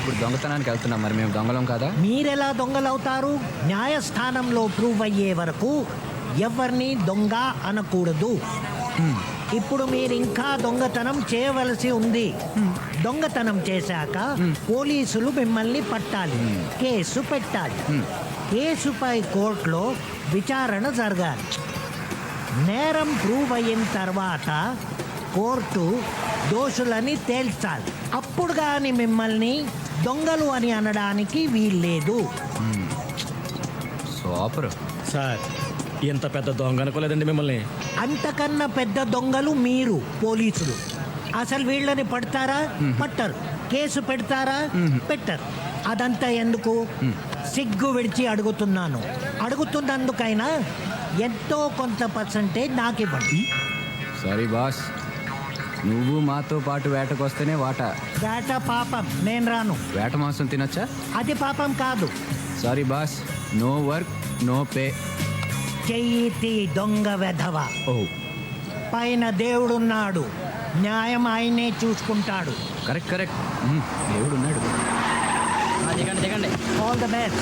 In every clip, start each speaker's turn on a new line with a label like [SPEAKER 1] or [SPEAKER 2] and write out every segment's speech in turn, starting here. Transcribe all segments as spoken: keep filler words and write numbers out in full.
[SPEAKER 1] ఇప్పుడు దొంగతనానికి వెళ్తున్నాం, మరి మేము దొంగలం కదా?
[SPEAKER 2] మీరెలా దొంగలవుతారు? న్యాయస్థానంలో ప్రూవ్ అయ్యే వరకు ఎవరిని దొంగ అనకూడదు. ఇప్పుడు మీరు ఇంకా దొంగతనం చేయవలసి ఉంది. దొంగతనం చేశాక పోలీసులు మిమ్మల్ని పట్టాలి, కేసు పెట్టాలి. కేసుపై కోర్టులో విచారణ జరగాలి. నేరం ప్రూవ్ అయిన తర్వాత కోర్టు దోషులని తేల్చాలి. అప్పుడు కానీ మిమ్మల్ని దొంగలు అని అనడానికి వీల్లేదు.
[SPEAKER 1] సూపర్
[SPEAKER 3] సార్, ఎంత పెద్ద దొంగ అనుకోలేదండి మిమ్మల్ని.
[SPEAKER 2] అంతకన్నా పెద్ద దొంగలు మీరు పోలీసులు. అసలు వీళ్ళని పడతారా? పట్టరు. కేసు పెడతారా? పెట్టరు. అదంతా ఎందుకు? సిగ్గు విడిచి అడుగుతున్నాను. అడుగుతున్నందుకైనా ఎంతో కొంత పర్సంటేజ్ నాకు ఇవ్వండి.
[SPEAKER 1] సారీ బాస్, నువ్వు మాతో పాటు వేటకు వస్తేనే వాటా.
[SPEAKER 2] వేట పాపం, నేను రాను.
[SPEAKER 1] వేట మాంసం తినొచ్చా?
[SPEAKER 2] అది పాపం కాదు.
[SPEAKER 1] Sorry boss, no work no pay.
[SPEAKER 2] చెయ్యి తీ దొంగ వెధవ.
[SPEAKER 1] ఓ
[SPEAKER 2] పైన దేవుడున్నాడు, న్యాయం ఆయనే చూసుకుంటాడు.
[SPEAKER 1] కరెక్ట్ కరెక్ట్, దేవుడు ఉన్నాడు.
[SPEAKER 3] దిగండి దిగండి.
[SPEAKER 2] All the best.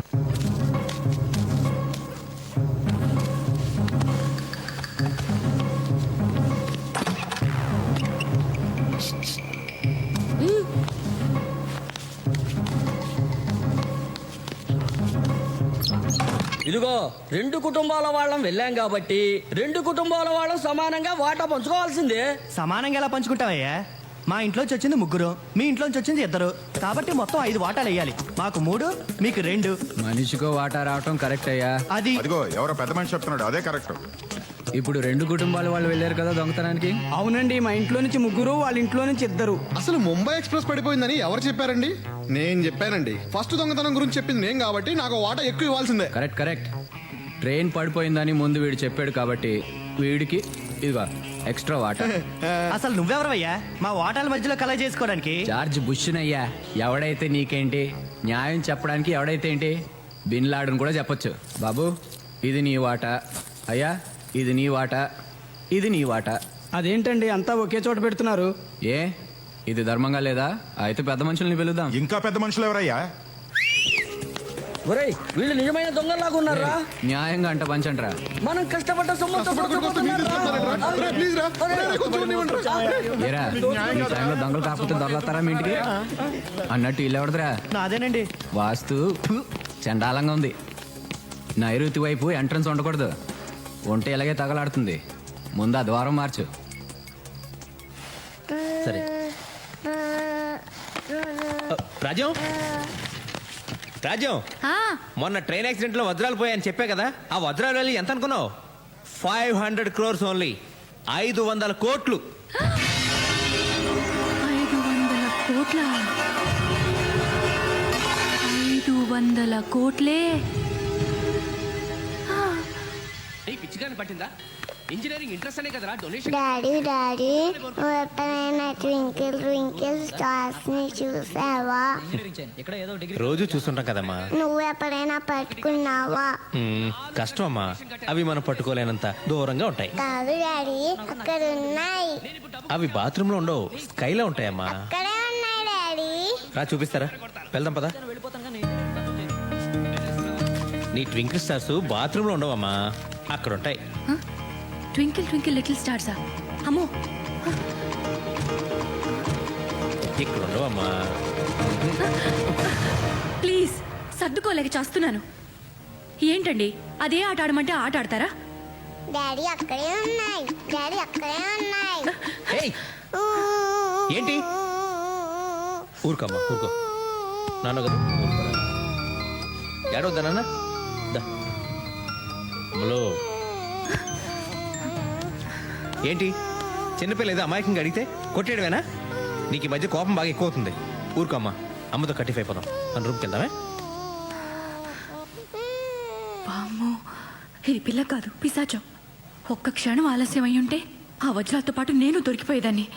[SPEAKER 4] ఇదిగో రెండు కుటుంబాల వాళ్ళం వెళ్ళాం కాబట్టి రెండు కుటుంబాల వాళ్ళం సమానంగా వాటా పంచుకోవాల్సిందే.
[SPEAKER 5] సమానంగా ఎలా పంచుకుంటావయ్యా? మా ఇంట్లోంచి వచ్చింది ముగ్గురు, మీ ఇంట్లోంచి వచ్చింది ఇద్దరు, కాబట్టి మొత్తం ఐదు వాటాలు వేయాలి. మాకు మూడు, మీకు రెండు.
[SPEAKER 1] మనిషికో వాటా రావటం కరెక్ట్ అయ్యా.
[SPEAKER 5] అది
[SPEAKER 6] అదిగో ఎవరో పెద్ద మనిషి చెప్తున్నాడు, అదే కరెక్ట్.
[SPEAKER 1] ఇప్పుడు రెండు కుటుంబాల వాళ్ళు వెళ్ళారు కదా దొంగతనానికి.
[SPEAKER 7] అవునండి, మా ఇంట్లో నుంచి ముగ్గురు, వాళ్ళ ఇంట్లో నుంచి ఇద్దరు.
[SPEAKER 8] అసలు ముంబై ఎక్స్ప్రెస్ పడిపోయిందని ఎవరు చెప్పారండి? నేను చెప్పానండి. ఫస్ట్ దొంగతనం గురించి చెప్పింది నేను కాబట్టి నాకు వాటా ఎక్కువ ఇవ్వాల్సిందే.
[SPEAKER 1] Correct correct. ట్రైన్ పడిపోయిందని ముందు వీడు చెప్పాడు కాబట్టి వీడికి ఇదిగో ఎక్స్ట్రా వాటా.
[SPEAKER 5] అసలు నువ్వెవరవయ్యా మా వాటాల మధ్యలో కలె చేసుకోవడానికి?
[SPEAKER 1] జార్జ్ బుష్నయ్యా. ఎవడైతే నీకేంటి, న్యాయం చెప్పడానికి ఎవడైతే ఏంటి, బిన్ లాడన్ కూడా చెప్పొచ్చు. బాబు ఇది నీ వాటా, అయ్యా ఇది నీ వాటా, ఇది నీ వాటా.
[SPEAKER 7] అదేంటండి అంతా ఒకే చోట పెడుతున్నారు?
[SPEAKER 1] ఏ ఇది ధర్మంగా లేదా? అయితే పెద్ద మనుషుల్ని పిలుద్దాం.
[SPEAKER 6] ఇంకా పెద్ద మనుషులు ఎవరయ్యా?
[SPEAKER 4] ఒరేయ్, వీళ్ళు నిజమైన దొంగలాగా ఉన్నారా?
[SPEAKER 1] న్యాయంగా అంట పంచంట్రా.
[SPEAKER 4] మనం కష్టపడ్డ సొమ్ముతో
[SPEAKER 1] ఏరా ఈ టైంలో దొంగలు కాకపోతే దొరలతారా మీ ఇంటికి అన్నట్టు ఇల్లు ఎవడదురా?
[SPEAKER 5] నాదేనండి.
[SPEAKER 1] వాస్తు ఫు, చండాలంగా ఉంది. నైరుతి వైపు ఎంట్రన్స్ ఉండకూడదు, ఉంటే ఇలాగే తగలాడుతుంది. ముందు ఆ ద్వారం మార్చు.
[SPEAKER 3] సరే రాజ్యం, రాజ్యం, మొన్న ట్రైన్ యాక్సిడెంట్ లో వజ్రాలు పోయాయని చెప్పా కదా, ఆ వజ్రాలు వెళ్ళి ఎంత అనుకున్నావు? Five hundred crores only. ఐదు వందల కోట్లు.
[SPEAKER 9] ఐదు వందల కోట్ల ఐదు వందల కోట్లే.
[SPEAKER 4] పిచ్చిగాని పట్టిందా? ఇంజనీరింగ్ ఇంట్రెస్ట్ అనే కదరా డొనేషన్.
[SPEAKER 10] డాడీ డాడీ నువ్వు ఎప్పుడైనా ట్వింకిల్ ట్వింకిల్ స్టార్స్ ని చూసావా?
[SPEAKER 3] రోజు చూస్తుంటాం కదమ్మా.
[SPEAKER 10] నువ్వు ఎప్పుడైనా పట్టుకున్నావా?
[SPEAKER 3] మ్మ్, కష్టం అమ్మా, అవి మనం పట్టుకోలేనంత దూరంగా ఉంటాయి.
[SPEAKER 10] కాదు డాడీ, అక్కడ ఉన్నాయి.
[SPEAKER 3] అవి బాత్రూమ్ లో ఉండవు, స్కైలో ఉంటాయమ్మా.
[SPEAKER 10] అక్కడే ఉన్నాయి డాడీ.
[SPEAKER 3] రా చూపిస్తారా? వెళ్దాం పదా. నీ ట్వింకిల్ స్టార్స్ బాత్రూమ్ లో ఉండవమ్మా, అక్కడ ఉంటాయి.
[SPEAKER 9] ట్వింకిల్ ట్వింకిల్ లిటిల్ స్టార్సా? అమ్మో,
[SPEAKER 3] ఇక్కడ ఉండవమ్మా.
[SPEAKER 9] ప్లీజ్ సర్దుకోలేక చేస్తున్నాను. ఏంటండి అదే ఆట ఆడమంటే ఆట ఆడతారా?
[SPEAKER 10] డాడీ అక్కడే ఉన్నాయి. డాడీ అక్కడే ఉన్నాయి.
[SPEAKER 3] ఏయ్, ఏంటి? ఊరుకోమ్మా, ఊరుకో. నాన్న కదా, ఏడవద్దా నాన్న? హలో, ఏంటి చిన్నపిల్ల ఏదో అమాయకంగా అడిగితే కొట్టేయడమేనా? నీకు ఈ మధ్య కోపం బాగా ఎక్కువ అవుతుంది. ఊరుకోమ్మా, అమ్మతో కట్టిఫ్ అయిపోదాం. మన రూమ్కి వెళ్దామే.
[SPEAKER 9] వామ్మో, ఇది పిల్ల కాదు, పిశాచం. ఒక్క క్షణం ఆలస్యం అయి ఉంటే ఆ వజ్రాలతో పాటు నేను దొరికిపోయేదాన్ని.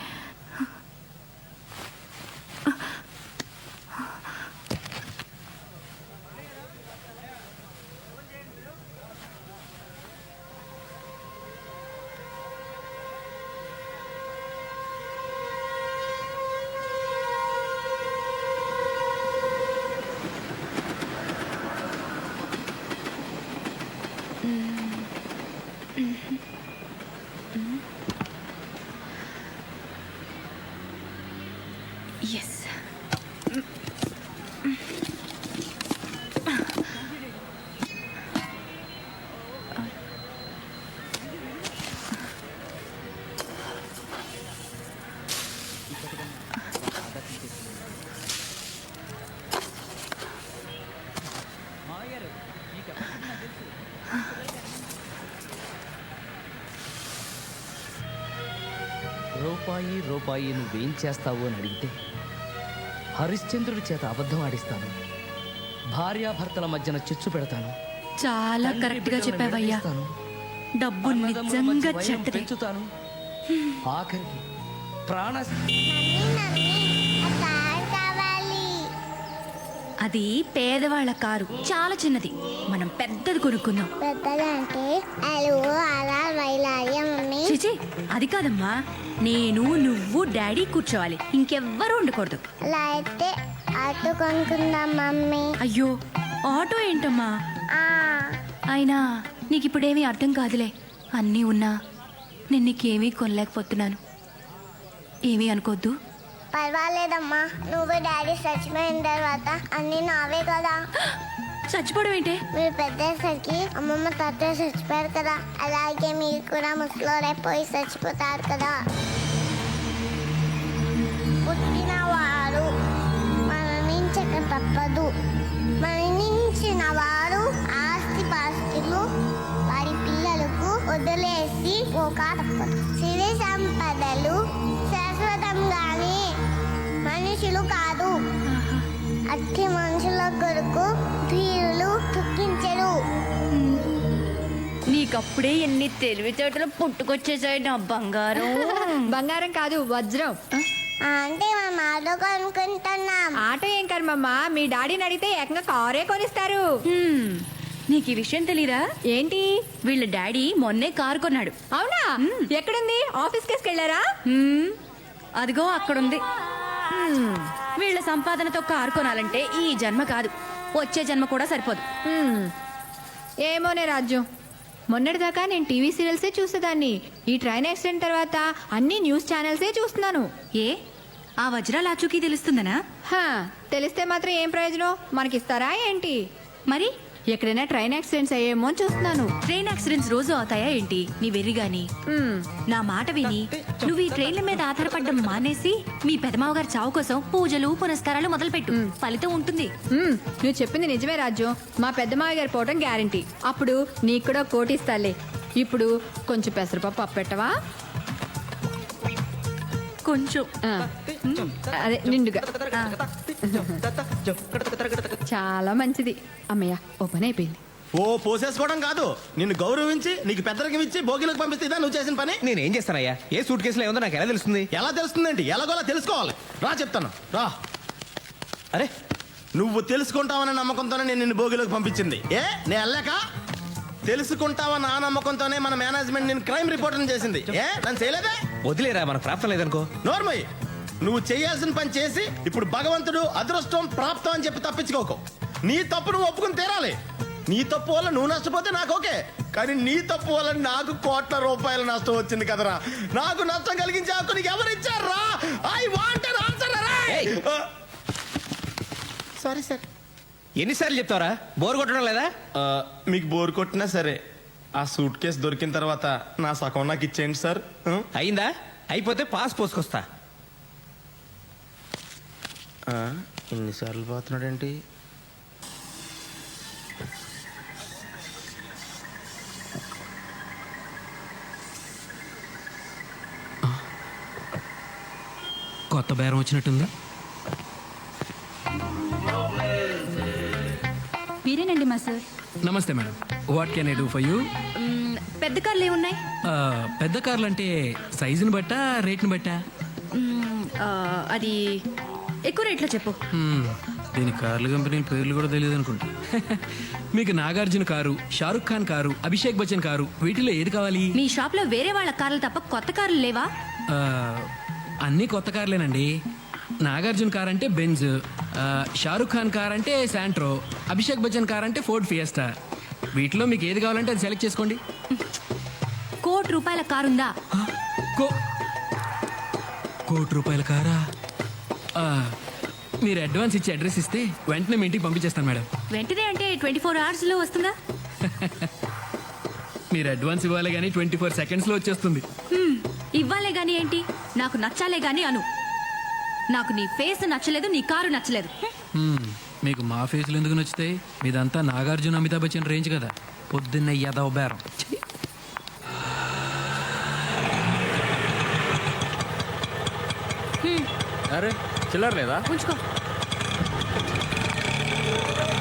[SPEAKER 4] రూపాయి రూపాయి నువ్వేం చేస్తావు అని అడిగితే హరిశ్చంద్రుడి చేత అబద్ధం ఆడిస్తాను, భార్యాభర్తల మధ్యన చిచ్చు పెడతాను,
[SPEAKER 9] చాలా
[SPEAKER 4] తండ్రి
[SPEAKER 9] కరెక్ట్ గా
[SPEAKER 4] బిడ్డలను
[SPEAKER 9] చెప్పావయ్యా.
[SPEAKER 4] విడదీస్తాను,
[SPEAKER 9] డబ్బు
[SPEAKER 4] అన్నదమ్ముల మధ్య
[SPEAKER 9] నిజంగా
[SPEAKER 4] వైరం
[SPEAKER 9] చెడ్డదే.
[SPEAKER 4] పెంచుతాను, ఆఖరికి ప్రాణ
[SPEAKER 10] మమ్మీ మమ్మీ ఆ కార్ కావాలి.
[SPEAKER 9] అది పేదవాళ్ళ కారు, చాలా చిన్నది. మనం పెద్దది కొనుక్కుందాం.
[SPEAKER 10] పెద్దదంటే అలు అలా వైలాలి మమ్మీ.
[SPEAKER 9] చిచి, అది కాదమ్మా. నేను నువ్వు డాడీ కూర్చోవాలి, ఇంకెవ్వరూ ఉండకూడదు.
[SPEAKER 10] అలా అయితే ఆటో కొనుక్కుందాం మమ్మీ.
[SPEAKER 9] అయ్యో, ఆటో ఏంటమ్మా?
[SPEAKER 10] ఆ,
[SPEAKER 9] అయినా నీకు ఇప్పుడేమీ అర్థం కాదులే. అన్నీ ఉన్నా నేను నీకేమీ కొనలేకపోతున్నాను. ఏమీ అనుకోద్దు.
[SPEAKER 10] పర్వాలేదమ్మా, నువ్వు డాడీ చచ్చిపోయిన తర్వాత అన్ని నావే కదా.
[SPEAKER 9] చచ్చిపోవడం ఏంటే?
[SPEAKER 10] మీరు పెద్దసరికి అమ్మమ్మ తాతయ్య చచ్చిపోయారు కదా, అలాగే మీరు కూడా ముసలోరైపోయి చచ్చిపోతారు కదా. పుట్టినవారు మరణించక తప్పదు, మరణించిన వారు ఆస్తి పాస్తులు వారి పిల్లలకు వదిలేసి పోక తప్పదు. సిరి సంపదలు శాశ్వతంగానే, మనుషులు కాదు. అట్టి మనుషుల కొరకు ధీరులు దుఃఖించరు.
[SPEAKER 9] నీకప్పుడే ఎన్ని తెలివితేటలు పుట్టుకొచ్చేసాయి నా బంగారం.
[SPEAKER 11] బంగారం కాదు, వజ్రం.
[SPEAKER 10] అంటే మేము ఆటో కొనుక్కుంటున్నాం.
[SPEAKER 11] ఆటో ఏం కర్మమ్మా, మీ డాడీని అడిగితే ఏకంగా కారే కొనిస్తారు.
[SPEAKER 9] హ్మ్, నీకు ఈ విషయం తెలీరా?
[SPEAKER 11] ఏంటి?
[SPEAKER 9] వీళ్ళ డాడీ మొన్నే కారు కొన్నాడు.
[SPEAKER 11] అవునా? ఎక్కడుంది? ఆఫీస్ కేసుకు వెళ్ళారా?
[SPEAKER 9] హ్మ్, అదిగో అక్కడుంది. హ్మ్, వీళ్ళ సంపాదనతో కారు కొనాలంటే ఈ జన్మ కాదు, వచ్చే జన్మ కూడా సరిపోదు.
[SPEAKER 11] హ్మ్. ఏమోనే రాజ్యం, మొన్నటిదాకా నేను టీవీ సీరియల్సే చూసేదాన్ని. ఈ ట్రైన్ యాక్సిడెంట్ తర్వాత అన్ని న్యూస్ ఛానల్సే చూస్తున్నాను.
[SPEAKER 9] ఏ, ఆ వజ్రాల ఆచూకీ తెలుస్తుందనా?
[SPEAKER 11] హా, తెలిస్తే మాత్రం ఏం ప్రయోజనం? మనకిస్తారా ఏంటి?
[SPEAKER 9] మరి
[SPEAKER 11] ఎక్కడైనా ట్రైన్ యాక్సిడెంట్స్ అయ్యేమో అని చూస్తున్నాను.
[SPEAKER 9] ట్రైన్ యాక్సిడెంట్స్ రోజు అవుతాయా ఏంటి? నీ వెర్రి గాని.
[SPEAKER 11] హ్మ్.
[SPEAKER 9] నా మాట విని నువ్వు ఈ ట్రైన్ల మీద ఆధారపడడం మానేసి మీ పెదమావ గారి చావు కోసం పూజలు పునస్కారాలు మొదలుపెట్టు. ఫలితం ఉంటుంది.
[SPEAKER 11] మ్మ్, నువ్వు చెప్పింది నిజమే రాజు. మా పెద్దమావ గారు పోవటం గ్యారంటీ. అప్పుడు నీకు కూడా కోటి ఇస్తాలే. ఇప్పుడు కొంచెం పెసరపప్పు అప్పెట్టవా?
[SPEAKER 9] కొంచెం.
[SPEAKER 11] ఆ, అదే నిండుగా. ఆ. చాలా మంచిది. అమ్మయ్య, ఓ పని అయిపోయింది.
[SPEAKER 5] ఓ పోసేసుకోవడం కాదు, నిన్ను గౌరవించి నీకు పెద్దరికం ఇచ్చి భోగిలకు పంపిస్తే ఇదా నువ్వు చేసిన పని?
[SPEAKER 3] నేనేం చేస్తానయ్యా? ఏ సూట్ కేసులో ఏముందో నాకు ఎలా తెలుస్తుంది?
[SPEAKER 5] ఎలా తెలుస్తుందండి? ఎలాగోలా తెలుసుకోవాలి. రా చెప్తాను, రా. అరే, నువ్వు తెలుసుకుంటావనే నమ్మకంతోనే నేను నిన్ను భోగిలోకి పంపించింది. ఏ నేను వెళ్ళాక తెలుసుకుంటావన్న ఆ నమ్మకంతోనే మన మేనేజ్మెంట్ నేను క్రైమ్ రిపోర్టర్ చేసింది. ఏ నన్ను చేయలేదే?
[SPEAKER 3] వదిలేరా, మనకు ప్రాప్తం లేదనుకో.
[SPEAKER 5] నోర్మయ్య, నువ్వు చేయాల్సిన పని చేసి ఇప్పుడు భగవంతుడు అదృష్టం ప్రాప్తం అని చెప్పి తప్పించుకోకు. నీ తప్పు నువ్వు ఒప్పుకుని తీరాలి. నీ తప్పు వల్ల నువ్వు నష్టపోతే నాకు ఓకే, కానీ నీ తప్పు వల్ల నాకు కోట్ల రూపాయల నష్టం వచ్చింది కదరా. నాకు నష్టం కలిగించే హక్కు నీకు ఎవరు ఇచ్చారా? I want an answer. Sorry sir.
[SPEAKER 3] ఎన్నిసార్లు చెప్తావరా? బోర్ కొట్టడం లేదా?
[SPEAKER 5] మీకు బోర్ కొట్టినా సరే ఆ సూట్ కేసు దొరికిన తర్వాత నా సగం నాకు ఇచ్చేయండి సార్.
[SPEAKER 3] అయిందా? అయిపోతే పాస్ పోసుకొస్తా.
[SPEAKER 5] ఎన్నిసార్లు పోతున్నాడేంటి?
[SPEAKER 7] కొత్త బేరం వచ్చినట్టుంది.
[SPEAKER 9] మీరేనండి మా సార్.
[SPEAKER 7] నమస్తే madam, what can I do for you?
[SPEAKER 9] మ్మ్, పెద్ద కార్లు ఏమున్నాయి?
[SPEAKER 7] పెద్ద కార్లు అంటే సైజుని బట్టా రేట్ని బట్టా?
[SPEAKER 9] మ్మ్, ఆ, అది ఎక్కువ రేట్లో చెప్పు.
[SPEAKER 7] Hmm, దీని కార్ల కంపెనీ పేర్లు కూడా తెలియదు అనుకుంటా. మీకు Nagarjuna car, Shahrukh Khan car, Abhishek Bachchan car, వీటిలో ఏది కావాలి?
[SPEAKER 9] మీ షాప్ లో వేరే వాళ్ళ కార్లు తప్ప కొత్త కార్లు లేవా?
[SPEAKER 7] ఆ, అన్నీ కొత్త కార్లేనండి. నాగార్జున కార్ అంటే బెంజ్, ఆ, షారుఖ్ ఖాన్ కార్ అంటే శాంట్రో, అభిషేక్ బచ్చన్ కార్ అంటే ఫోర్డ్ ఫియస్టా. వీటిలో మీకు ఏది కావాలంటే అది సెలెక్ట్ చేసుకోండి.
[SPEAKER 9] కోటి రూపాయల కారు ఉందా?
[SPEAKER 7] కో కోటి రూపాయల కారా? ఆ, మీరు అడ్వాన్స్ ఇచ్చి అడ్రస్ ఇస్తే వెంటనే మీ ఇంటికి పంపించేస్తాను మేడం.
[SPEAKER 9] వెంటనే అంటే ట్వంటీ ఫోర్ అవర్స్ లో వస్తుందా?
[SPEAKER 7] మీరు అడ్వాన్స్ ఇవ్వాలి కానీ ట్వంటీ ఫోర్ సెకండ్స్లో వచ్చేస్తుంది.
[SPEAKER 9] హ్మ్, ఇవ్వాలే గాని ఏంటి, నాకు నచ్చాలే గాని అను. నాకు నీ ఫేస్ నచ్చలేదు, నీ కారు నచ్చలేదు.
[SPEAKER 7] హ్మ్, మీకు మా ఫేస్లు ఎందుకు నచ్చుతాయి? మీదంతా నాగార్జున అమితాబ్ బచ్చన్ రేంజ్ కదా. పొద్దున్న యదవ బేరం.
[SPEAKER 3] అరే చిల్లర లేదా
[SPEAKER 9] ఉంచుకో